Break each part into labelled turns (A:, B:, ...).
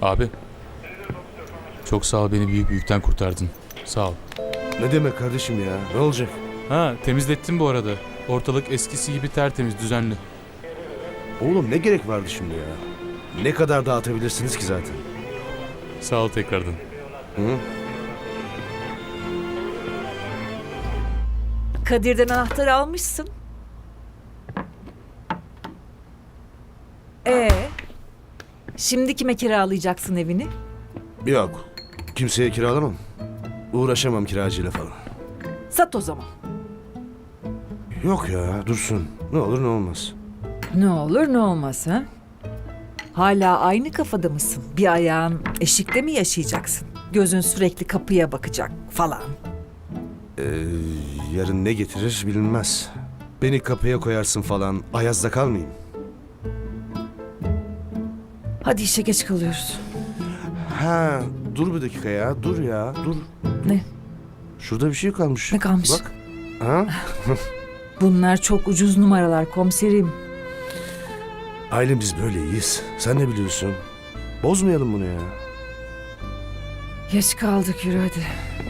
A: Abi. Çok sağ ol, beni büyük bir yükten kurtardın. Sağ ol.
B: Ne demek kardeşim ya? Ne olacak?
A: Ha, temizlettim bu arada. Ortalık eskisi gibi tertemiz, düzenli.
B: Oğlum ne gerek vardı şimdi ya? Ne kadar dağıtabilirsiniz ki zaten?
A: Sağ ol tekrardan.
B: Hı?
C: Kadir'den anahtarı almışsın. Şimdi kime kiralayacaksın evini?
B: Yok. Kimseye kiralamam. Uğraşamam kiracıyla falan.
C: Sat o zaman.
B: Yok ya, dursun. Ne olur ne olmaz.
C: Ne olur ne olmaz ha? Hala aynı kafada mısın? Bir ayağın eşikte mi yaşayacaksın? Gözün sürekli kapıya bakacak falan.
B: Yarın ne getirir bilinmez. Beni kapıya koyarsın falan, ayazda kalmayayım.
C: Hadi işe geç kalıyoruz.
B: Ha, dur bir dakika ya, dur ya, dur.
C: Ne?
B: Şurada bir şey kalmış.
C: Ne kalmış?
B: Bak. Ha?
C: Bunlar çok ucuz numaralar komiserim.
B: Ailem biz böyle iyiyiz. Sen ne biliyorsun? Bozmayalım bunu ya.
C: Geç kaldık, yürü hadi.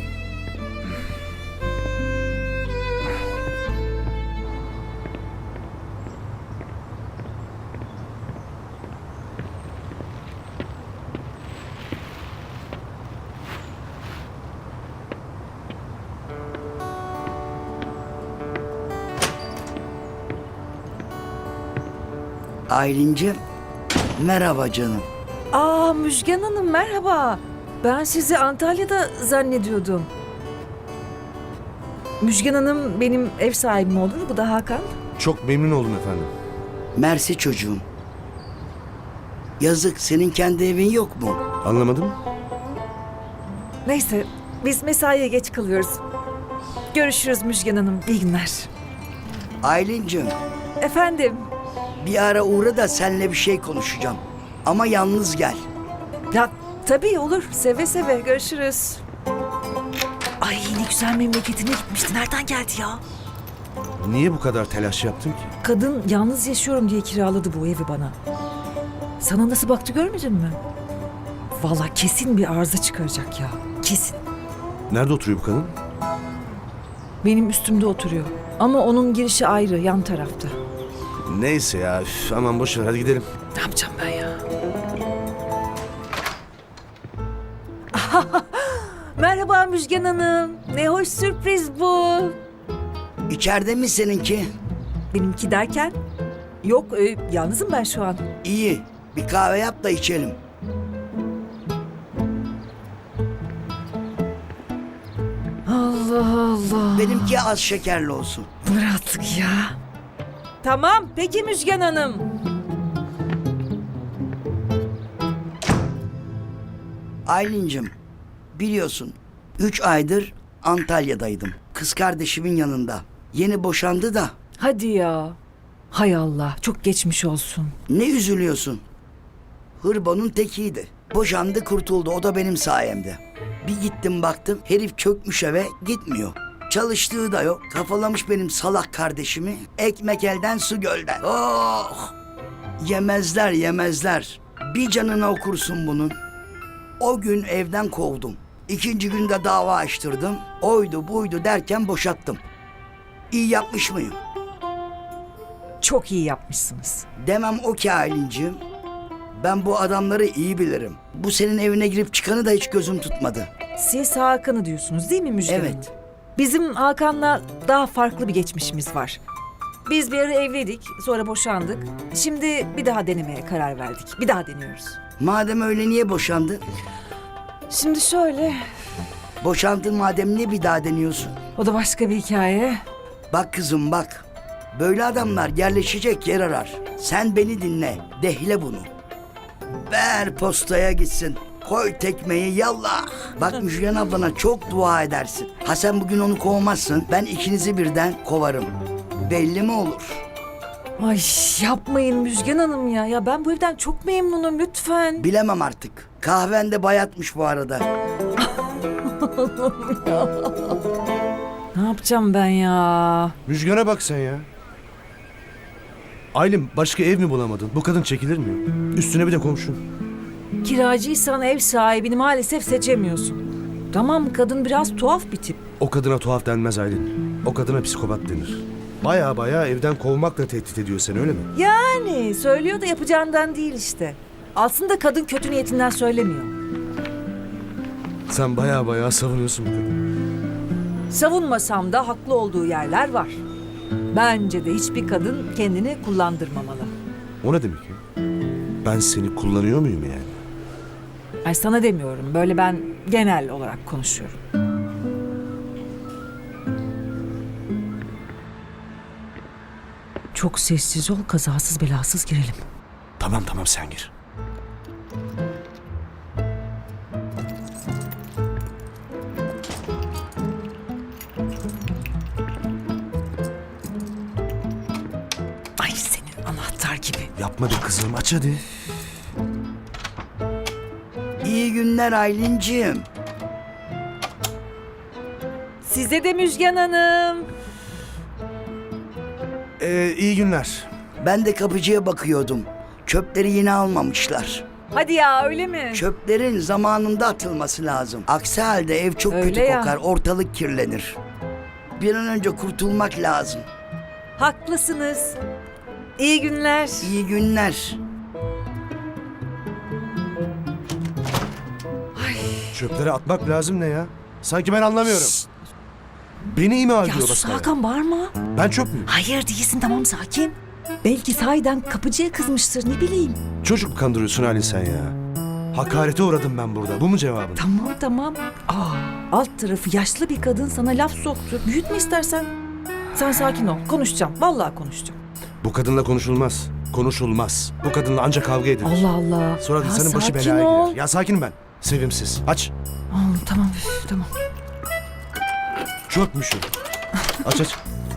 D: Aylin'cim, merhaba canım.
C: Aa, Müjgan Hanım merhaba. Ben sizi Antalya'da zannediyordum. Müjgan Hanım benim ev sahibim olur. Bu da Hakan.
B: Çok memnun oldum efendim.
D: Mersi çocuğum. Yazık, senin kendi evin yok mu?
B: Anlamadım.
C: Neyse biz mesaiye geç kalıyoruz. Görüşürüz Müjgan Hanım. İyi günler.
D: Aylin'cim,
C: Efendim.
D: bir ara uğra da seninle bir şey konuşacağım. Ama yalnız gel.
C: Ya tabii olur. Seve seve. Görüşürüz. Ay ne güzel memleketine gitmişti. Nereden geldi ya?
B: Niye bu kadar telaş yaptın ki?
C: Kadın yalnız yaşıyorum diye kiraladı bu evi bana. Sana nasıl baktı görmedin mi? Vallahi kesin bir arıza çıkaracak ya. Kesin.
B: Nerede oturuyor bu kadın?
C: Benim üstümde oturuyor. Ama onun girişi ayrı, yan tarafta.
B: Neyse ya, üf, aman boş ver, hadi gidelim.
C: Ne yapacağım ben ya? Merhaba Müjgan Hanım. Ne hoş sürpriz bu.
D: İçeride mi seninki?
C: Benimki derken? Yok, yalnızım ben şu an.
D: İyi, bir kahve yap da içelim.
C: Allah Allah.
D: Benimki az şekerli olsun.
C: Bunlar artık ya. Tamam, peki Müjgan Hanım.
D: Aylin'cim, biliyorsun 3 aydır Antalya'daydım. Kız kardeşimin yanında. Yeni boşandı da.
C: Hadi ya. Hay Allah, çok geçmiş olsun.
D: Ne üzülüyorsun? Hırbanın tekiydi. Boşandı, kurtuldu. O da benim sayemde. Bir gittim baktım, herif çökmüş eve, gitmiyor. Çalıştığı da yok. Kafalamış benim salak kardeşimi. Ekmek elden, su gölden. Oh! Yemezler, yemezler. Bir canına okursun bunun. O gün evden kovdum. İkinci günde dava açtırdım. Oydu buydu derken boşattım. İyi yapmış mıyım?
C: Çok iyi yapmışsınız.
D: Demem o ki Aylin'ciğim. Ben bu adamları iyi bilirim. Bu senin evine girip çıkanı da hiç gözüm tutmadı.
C: Siz Hakan'ı diyorsunuz değil mi Müjgan Hanım?
D: Evet.
C: Bizim Hakan'la daha farklı bir geçmişimiz var. Biz bir ara evliydik, sonra boşandık. Şimdi bir daha denemeye karar verdik. Bir daha deniyoruz.
D: Madem öyle niye boşandın?
C: Şimdi şöyle,
D: Boşandın madem niye bir daha deniyorsun?
C: o da başka bir hikaye.
D: Bak kızım bak. Böyle adamlar yerleşecek yer arar. Sen beni dinle. Dehle bunu. Ver postaya gitsin. Koy tekmeyi yallah. Bak Müjgan ablana çok dua edersin. Ha sen bugün onu kovmazsın. Ben ikinizi birden kovarım. Belli mi olur?
C: Ay yapmayın Müjgan Hanım ya. Ya ben bu evden çok memnunum lütfen.
D: Bilemem artık. Kahven de bayatmış bu arada.
C: Ne yapacağım ben ya?
B: Müjgan'a bak sen ya. Aylin, başka ev mi bulamadın? Bu kadın çekilir mi? Üstüne bir de komşun.
C: kiracıysan ev sahibini maalesef seçemiyorsun. Tamam, kadın biraz tuhaf bir tip.
B: O kadına tuhaf denmez Aylin. O kadına psikopat denir. Baya baya evden kovmakla tehdit ediyor seni, öyle mi?
C: Yani söylüyor da yapacağından değil işte. Aslında kadın kötü niyetinden söylemiyor.
B: Sen baya baya savunuyorsun bu kadını.
C: Savunmasam da haklı olduğu yerler var. Bence de hiçbir kadın kendini kullandırmamalı.
B: O ne demek ya? Ben seni kullanıyor muyum yani?
C: Ay sana demiyorum, böyle ben genel olarak konuşuyorum. Çok sessiz ol, kazasız belasız girelim.
B: Tamam tamam, sen gir.
C: Ay senin anahtar gibi.
B: Yapma be kızım, aç hadi.
D: İyi günler Aylin'ciğim.
C: Size de Müjgan Hanım.
B: İyi günler.
D: Ben de kapıcıya bakıyordum. Çöpleri yine almamışlar.
C: Hadi ya, öyle mi?
D: Çöplerin zamanında atılması lazım. Aksi halde ev çok
C: Öyle
D: kötü
C: ya.
D: kokar, ortalık kirlenir. Bir an önce kurtulmak lazım.
C: Haklısınız. İyi günler.
D: İyi günler.
B: Çöpleri atmak lazım ne ya? Sanki ben anlamıyorum. Beni ima
C: Ya
B: ediyor
C: sus
B: basmaya.
C: Hakan, bağırma.
B: Ben çöp müyüm?
C: Hayır değilsin, tamam, sakin. Belki sahiden kapıcıya kızmıştır, ne bileyim.
B: Çocuk mu kandırıyorsun Halin sen ya? Hakarete uğradım ben burada. Bu mu cevabın?
C: Tamam. Alt tarafı yaşlı bir kadın sana laf soktu. Büyütme istersen. Sen sakin ol, konuşacağım. Vallahi konuşacağım.
B: Bu kadınla konuşulmaz. Konuşulmaz. Bu kadınla ancak kavga edilir.
C: Allah Allah.
B: Sonra da
C: Ya
B: insanın başı
C: sakin
B: belaya
C: ol.
B: girer. Ya sakinim ben. Sevimsiz. Aç.
C: Tamam, tamam.
B: Çöpmüşüm. Aç aç.